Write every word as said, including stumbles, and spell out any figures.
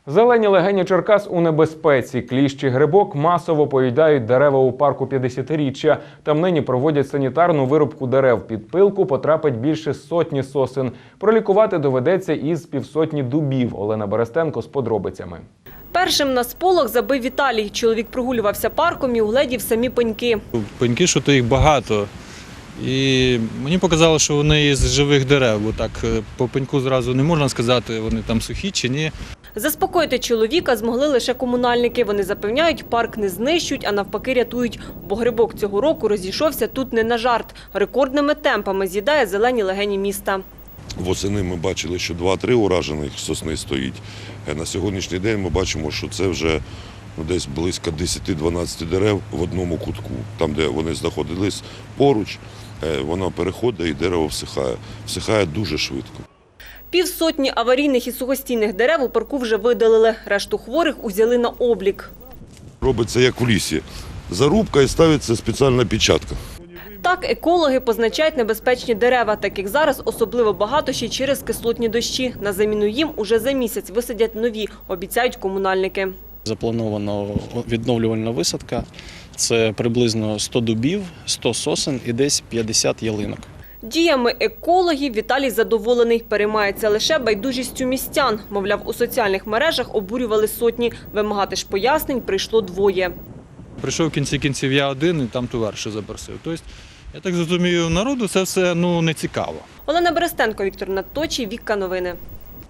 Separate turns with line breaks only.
Зелені легені Черкас у небезпеці. Кліщі грибок масово поїдають дерева у парку п'ятдесятиріччя. Там нині проводять санітарну вирубку дерев. Під пилку потрапить більше сотні сосен. Пролікувати доведеться із півсотні дубів. Олена Берестенко з подробицями.
Першим на сполох забив Віталій. Чоловік прогулювався парком і угледів самі пеньки.
Пеньки, що то їх багато. І мені показало, що вони із живих дерев, бо так по пеньку зразу не можна сказати, вони там сухі чи ні.
Заспокоїти чоловіка змогли лише комунальники. Вони запевняють, парк не знищують, а навпаки рятують. Бо грибок цього року розійшовся тут не на жарт. Рекордними темпами з'їдає зелені легені міста.
Восени ми бачили, що два-три уражених сосни стоїть. На сьогоднішній день ми бачимо, що це вже ну, десь близько десять-дванадцять дерев в одному кутку. Там, де вони знаходились поруч, воно переходить і дерево всихає. Всихає дуже швидко.
Півсотні аварійних і сухостійних дерев у парку вже видалили. Решту хворих узяли на облік.
Робиться як у лісі. Зарубка і ставиться спеціальна печатка.
Так екологи позначають небезпечні дерева, таких зараз особливо багато ще й через кислотні дощі. На заміну їм уже за місяць висадять нові, обіцяють комунальники.
Запланована відновлювальна висадка. Це приблизно сто дубів, сто сосен і десь п'ятдесят ялинок.
Діями екологів Віталій задоволений. Переймається лише байдужістю містян. Мовляв, у соціальних мережах обурювали сотні. Вимагати ж пояснень прийшло двоє.
Прийшов в кінці кінців я один і там товариша запросив. Тобто, я так зрозумію, народу це все ну, не цікаво.
Олена Берестенко, Віктор Надточій, Вікка Новини.